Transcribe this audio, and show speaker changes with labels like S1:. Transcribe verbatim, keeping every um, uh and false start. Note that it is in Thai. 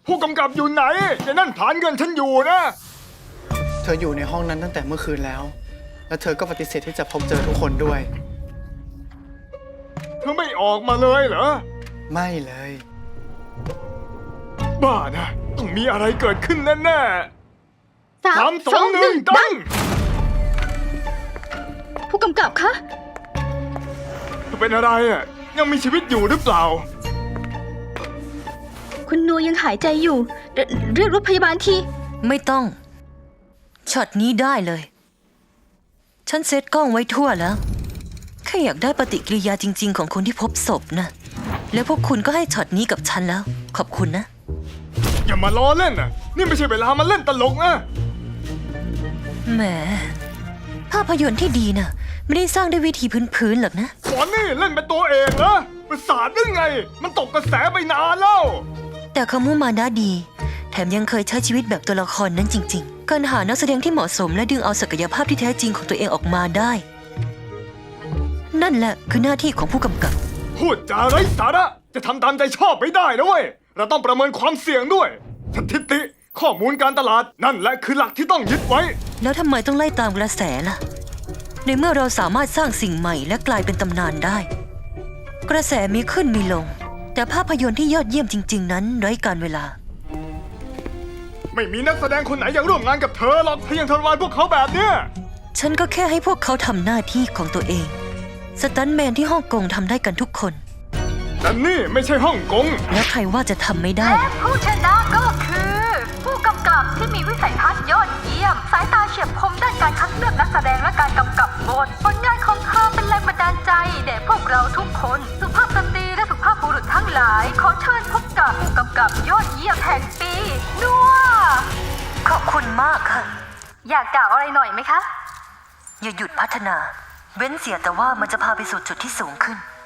S1: ผู้กำกับอยู่ไหนไอ้นั่นผลานเงินฉันอยู่นะ
S2: เธออยู่ในห้องนั้นตั้งแต่เมื่อคืนแล้ว แล้วเธอก็ปฏิเสธที่จะพบเจอทุกคนด้วย
S1: เธอไม่ออกมาเลยเหรอ
S2: ไม่เลย
S1: บ้านะต้องมีอะไรเกิดขึ้นแน่ๆ
S3: สา
S1: สาม มสองหนึ่งดัง
S3: ผู้กำกับคะ
S1: เธอเป็นอะไรอ่ะยังมีชีวิตอยู่หรือเปล่า
S3: คุณนัวยังหายใจอยู่เรเรียกรถพยาบาลที
S4: ไม่ต้องช็อตนี้ได้เลยฉันเซตกล้องไว้ทั่วแล้วแค่อยากได้ปฏิกิริยาจริงๆของคนที่พบศพนะแล้วพวกคุณก็ให้ช็อตนี้กับฉันแล้วขอบคุณนะ
S1: อย่ามาล้อเล่นนะนี่ไม่ใช่เวลามาเล่นตลกนะ
S4: แหมภาพยนตร์ที่ดีนะไม่ได้สร้างด้วยวิธีพื้นๆหรอกนะ
S1: สอนนี่เล่นเป็นตัวเองเหรอประสาทได้ไงมันตกกระแสไปนานแล้ว
S4: แต่คามุมานะดีแถมยังเคยใช้ชีวิตแบบตัวละครนั้นจริงๆการหานักแสดงที่เหมาะสมและดึงเอาศักยภาพที่แท้จริงของตัวเองออกมาได้นั่นแหละคือหน้าที่ของผู้กำกับ
S1: พูดจาไร้สาระจะทำตามใจชอบไม่ได้นะเว้ยเราต้องประเมินความเสี่ยงด้วยสถิติข้อมูลการตลาดนั่นแหละคือหลักที่ต้องยึดไว้
S4: แล้วทำไมต้องไล่ตามกระแสล่ะในเมื่อเราสามารถสร้างสิ่งใหม่และกลายเป็นตำนานได้กระแสมีขึ้นมีลงแต่ภาพยนตร์ที่ยอดเยี่ยมจริงๆนั้นไร้กาลเวลา
S1: ไม่มีนักแสดงคนไหนอยากร่วมงานกับเธอหรอกถ้ายังทรมานพวกเขาแบบเนี้ย
S4: ฉันก็แค่ให้พวกเขาทำหน้าที่ของตัวเองสตันท์แมนที่ฮ่องกงทำได้กันทุกคน
S1: แต่นี่ไม่ใช่ฮ่องกง
S4: แล้วใครว่าจะทำไม่ได้
S5: และผู้ชนะก็คือ ผู้กำกับที่มีวิสัยทัศน์ยอดเยี่ยมสายตาเฉียบคมด้านการคัดเลือกนักแสดงและการกำกับบทผลงานของเธอเป็นแรงบันดาลใจแด่พวกเราทุกคนสุภาพสตรีและสุภาพบุรุษทั้งหลายขอเชิญพบกับผู้กำกับยอดเยี่ยมแห่งปีนัว
S4: ขอบคุณมากค่ะ
S5: อยากกล่าวอะไรหน่อยไหมคะ
S4: อย่าหยุดพัฒนาเว้นเสียแต่ว่ามันจะพาไปสู่จุดที่สูงขึ้น